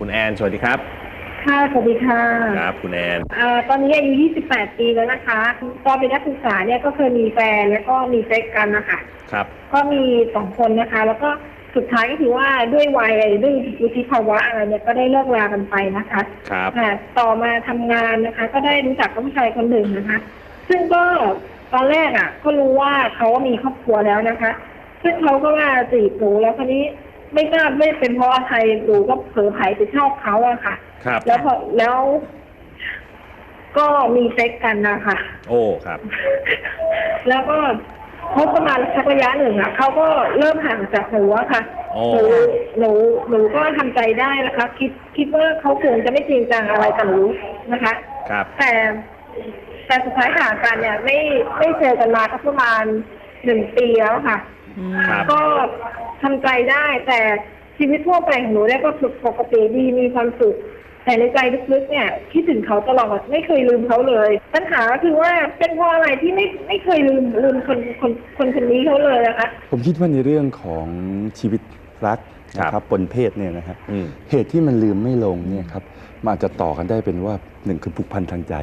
คุณแอนสวัสดีครับค่ะสวัสดีค่ะครับคุณแอนตอนนี้อายุ28 ปีแล้วนะคะตอนเป็นนักศึกษาเนี่ยก็เคยมีแฟนแล้วก็มีเซ็กกันนะคะครับก็มี2 คนนะคะ แล้วก็สุดท้ายก็คือว่าด้วยวัยด้วยวุฒิภาวะอะไรเนี่ยก็ได้เลิกรากันไปนะคะครับต่อมาทำงานนะคะ ก็ได้รู้จักกับผู้ชายคนหนึ่งนะคะ ซึ่งก็ตอนแรกก็รู้ว่าเขามีครอบครัวแล้วนะคะ ซึ่งเขาก็มาจีบหนูแล้วคนนี้ไม่ทราบไม่เป็นเพราะอะไรหนูก็เผลอไผลไปชอบเขาอะค่ะครับแล้วก็มีเซ็กกันนะคะโอ้ครับแล้วก็คบประมาณสักระยะหนึ่งเขาก็เริ่มห่างจากหนูอะค่ะหนูก็ทำใจได้นะคะคิดว่าเขาคงจะไม่จริงจังอะไรกับหนูนะคะครับแต่สุดท้ายห่างกันเนี่ยไม่เจอกันมาประมาณ1 ปีแล้วค่ะก็ทำใจได้แต่ชีวิตทั่วไปของหนูเนี่ยก็ปกติดีมีความสุขแต่ในใจลึกๆเนี่ยคิดถึงเขาตลอดไม่เคยลืมเขาเลยปัญหาคือว่าเป็นเพราะอะไรที่ไม่เคยลืมคนนี้เขาเลยนะคะผมคิดว่าในเรื่องของชีวิตรักนะครับปนเพศเนี่ยนะครับเหตุที่มันลืมไม่ลงเนี่ยครับมันอาจจะต่อกันได้เป็นว่า1คือผูกพันทางใจ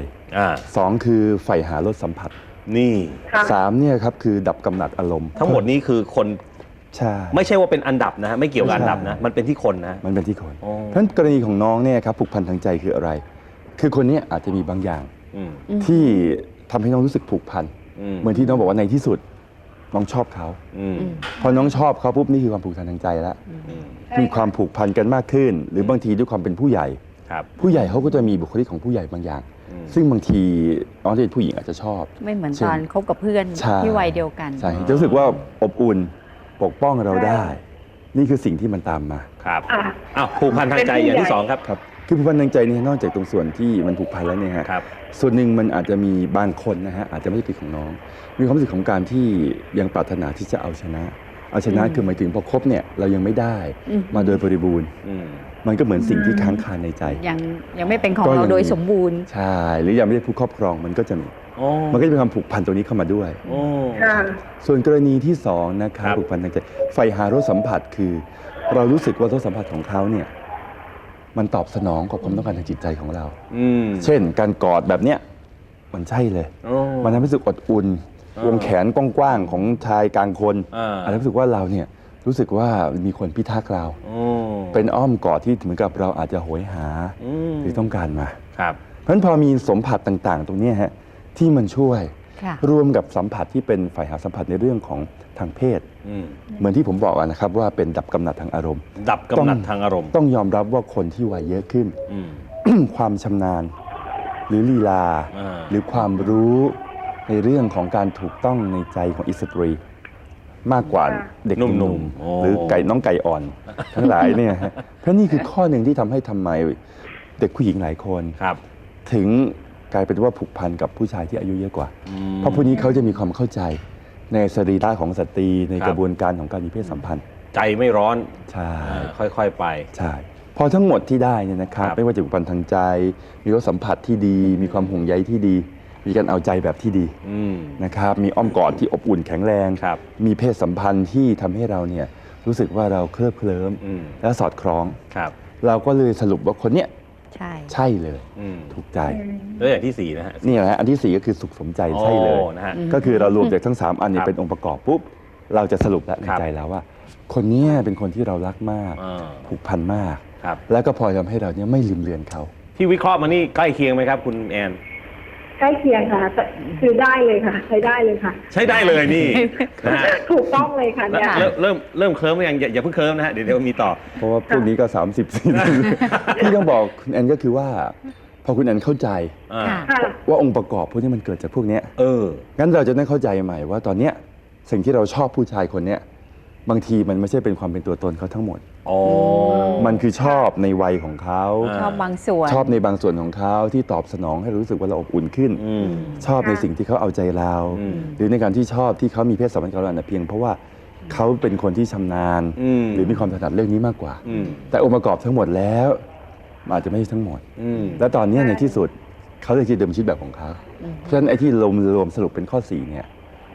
2คือใฝ่หารสสัมผัสนี่ 3เนี่ยครับคือดับกำหนัดอารมณ์ทั้งหมดนี้คือคนใช่ไม่ใช่ว่าเป็นอันดับนะฮะไม่เกี่ยวกับอันดับนะมันเป็นที่คนนะมันเป็นที่คนเพราะฉะนั้นกรณีของน้องเนี่ยครับผูกพันทางใจคืออะไรคือคนนี้อาจจะมีบางอย่างที่ทำให้น้องรู้สึกผูกพันเหมือนที่น้องบอกว่าในที่สุดน้องชอบเขาพอน้องชอบเขาปุ๊บนี่คือความผูกพันทางใจแล้วมีความผูกพันกันมากขึ้นหรือบางทีด้วยความเป็นผู้ใหญ่ผู้ใหญ่เขาก็จะมีบุคลิกของผู้ใหญ่บางอย่างซึ่งบางทีน้องที่เป็นผู้หญิงอาจจะชอบไม่เหมือนตอนคบกับเพื่อนที่วัยเดียวกันใช่จะรู้สึกว่าอบอุ่นปกป้องเราได้นี่คือสิ่งที่มันตามมาครับผูกพันทางใจอย่างที่2ครับคือผูกพันทางใจนี่นอกจากตรงส่วนที่มันผูกพันแล้วเนี่ยฮะส่วนหนึ่งมันอาจจะมีบางคนนะฮะอาจจะไม่ใช่เป็นของน้องมีความรู้สึกของการที่ยังปรารถนาที่จะเอาชนะคือหมายถึงพอคบเนี่ยเรายังไม่ได้มาโดยบริบูรณ์มันก็เหมือนสิ่งที่ค้างคาในใจยังไม่เป็นของเราโดยสมบูรณ์ใช่หรือยังไม่ได้ผู้ครอบครองมันก็จะมีมันก็จะมีความผูกพันตัวนี้เข้ามาด้วยส่วนกรณีที่2นะครับผูกพันทางใจใฝ่หารสสัมผัสคือเรารู้สึกว่ารสสัมผัสของเขาเนี่ยมันตอบสนองกับความต้องการทางจิตใจของเราเช่นการกอดแบบเนี้ยมันใช่เลยมันทำให้รู้สึกอบอุ่นวงแขนกว้างๆของชายกลางคนอาจจะรู้สึกว่าเราเนี่ยรู้สึกว่ามีคนพิทักษ์เราเป็นอ้อมกอดที่เหมือนกับเราอาจจะโหยหาหรือต้องการมาเพราะฉะนั้นพอมีสัมผัสต่างๆตรงนี้ฮะที่มันช่วยรวมกับสัมผัสที่เป็นฝ่ายหาสัมผัสในเรื่องของทางเพศเหมือนที่ผมบอกนะครับว่าเป็นดับกำหนัดทางอารมณ์ดับกำหนัดทางอารมณ์ต้องยอมรับว่าคนที่วัยเยอะขึ้นความชำนาญหรือลีลาหรือความรู้ในเรื่องของการถูกต้องในใจของอิสตรีมากกว่าเด็กหนุ่มหรือน้องไก่อ่อนทั้งหลายเนี่ยเพราะนี่คือข้อหนึ่งที่ทำไมเด็กผู้หญิงหลายคนถึงกลายเป็นว่าผูกพันกับผู้ชายที่อายุเยอะกว่าเพราะผู้นี้เขาจะมีความเข้าใจในสรีระของสตรีในกระบวนการของการมีเพศสัมพันธ์ใจไม่ร้อนใช่ค่อยๆไปใช่พอทั้งหมดที่ได้เนี่ยนะครับไม่ว่าจะผูกพันทางใจมีรสสัมผัสที่ดีมีความห่วงใยที่ดีมีการเอาใจแบบที่ดีนะครับมีอ้อมกอดที่อบอุ่นแข็งแรงมีเพศสัมพันธ์ที่ทำให้เราเนี่ยรู้สึกว่าเราเคลิบเคลิ้มและสอดคล้องเราก็เลยสรุปว่าคนเนี้ยใช่เลยถูกใจแล้วอย่างที่4นะฮะนี่แหละอันที่4ก็คือสุขสมใจใช่เลยก็คือเรารวมจากทั้ง3อันนี้เป็นองค์ประกอบปุ๊บเราจะสรุปแล้วในใจแล้วว่าคนนี้เป็นคนที่เรารักมากผูกพันมากแล้วก็พอทำให้เราเนี่ยไม่ลืมเลือนเขาที่วิเคราะห์มานี่ใกล้เคียงไหมครับคุณแอนใกล้เคียงค่ะคือได้เลยค่ะใช้ได้เลยค่ะใช้ได้เลยนี่ถูกต้องเลยค่ะเนี่ยเริ่มเคลิ้มยังอย่าเพิ่งเคลิ้มนะฮะเดี๋ยวมีต่อเพราะว่าพวกนี้ก็30 40ที่ต้องบอกคุณแอนก็คือว่าพอคุณแอนเข้าใจว่าองค์ประกอบพวกนี้มันเกิดจากพวกนี้งั้นเราจะได้เข้าใจใหม่ว่าตอนเนี้ยสิ่งที่เราชอบผู้ชายคนเนี้ยบางทีมันไม่ใช่เป็นความเป็นตัวตนเขาทั้งหมดมันคือชอบในวัยของเขาชอบบางส่วนชอบในบางส่วนของเขาที่ตอบสนองให้รู้สึกว่าเราอบอุ่นขึ้นชอบในสิ่งที่เขาเอาใจเราหรือในการที่ชอบที่เขามีเพศสัมพันธ์กับเราเพียงเพราะว่าเขาเป็นคนที่ชำนาญหรือมีความถนัดเรื่องนี้มากกว่าแต่องค์ประกอบทั้งหมดแล้วอาจจะไม่ใช่ทั้งหมดและตอนนี้ในที่สุดเขาเลยจะดำเนินชีวิตแบบของเขาเพราะฉะนั้นไอ้ที่รวมสรุปเป็นข้อ4เนี่ย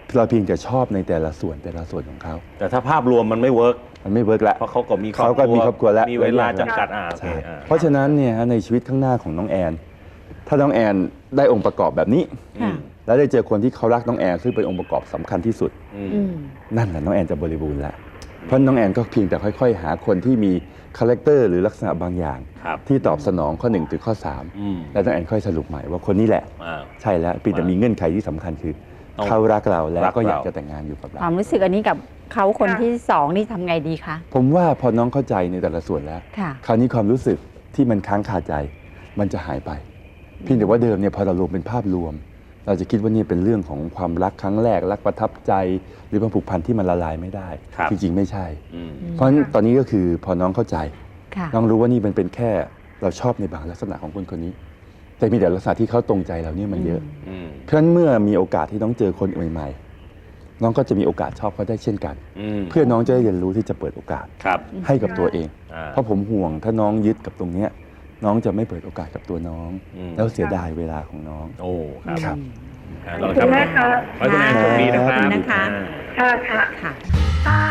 เราเพียงแต่ชอบในแต่ละส่วนของเขาแต่ถ้าภาพรวมมันไม่เวิร์กมันไม่เวิร์กแล้วเพราะเขาก็มีเขาก็มีครอบครัวแล้วมีเวลาจำกัดโอเคใช่เพราะฉะนั้นเนี่ยในชีวิตข้างหน้าของน้องแอน ถ้าน้องแอนได้องค์ประกอบแบบนี้อืมแล้วได้เจอคนที่เขารักน้องแอนซึ่งเป็นองค์ประกอบสำคัญที่สุดอืมอืมนั่นแหละน้องแอนจะบริบูรณ์แล้วเพราะน้องแอนก็เพียงแต่ค่อยๆ หาคนที่มีคาแรคเตอร์หรือลักษณะบางอย่างครับที่ตอบสนองข้อ1ถึงข้ออืม 3แล้วน้องแอนค่อยสรุปใหม่ว่าคนนี้แหละอ่าใช่แล้วเพียงแต่มีเงื่อนไขที่สำคัญคือต้องเขารักเราแล้วรักก็อยากเราจะแต่งงานอยู่กับเราความรู้สึกอันนี้กับเขาคนค่ะที่สองนี่ทำไงดีคะผมว่าพอน้องเข้าใจในแต่ละส่วนแล้วค่ะคราวนี้ความรู้สึกที่มันค้างคาใจมันจะหายไปเพียงแต่ว่าเดิมเนี่ยพอเรารวมเป็นภาพรวม เราจะคิดว่านี่เป็นเรื่องของความรักครั้งแรกรักประทับใจ หรือความผูกพันที่มันละลายไม่ได้ครับจริงๆไม่ใช่อืมเพราะฉะนั้นตอนนี้ก็คือพอน้องเข้าใจค่ะน้องรู้ว่านี่มันเป็นแค่เราชอบในบางลักษณะของคนคนนี้ แต่มีแต่ลักษณะที่เขาตรงใจเราเนี่ยมันเยอะอืมเพราะฉะนั้นเมื่อมีโอกาสที่น้องเจอคนใหม่ๆน้องก็จะมีโอกาสชอบเขาได้เช่นกันอืมเพื่อน้องจะได้เรียนรู้ที่จะเปิดโอกาสครับให้กับตัวเองอ่าเพราะผมห่วงถ้าน้องยึดกับตรงเนี้ยน้องจะไม่เปิดโอกาสกับตัวน้องอืมแล้วเสียดายเวลาของน้องโอ้ครับครับอ่าขอบคุณมากค่ะขอให้คุณแอนโชคดีนะครับขอบคุณนะคะอ่าค่ะค่ะค่ะ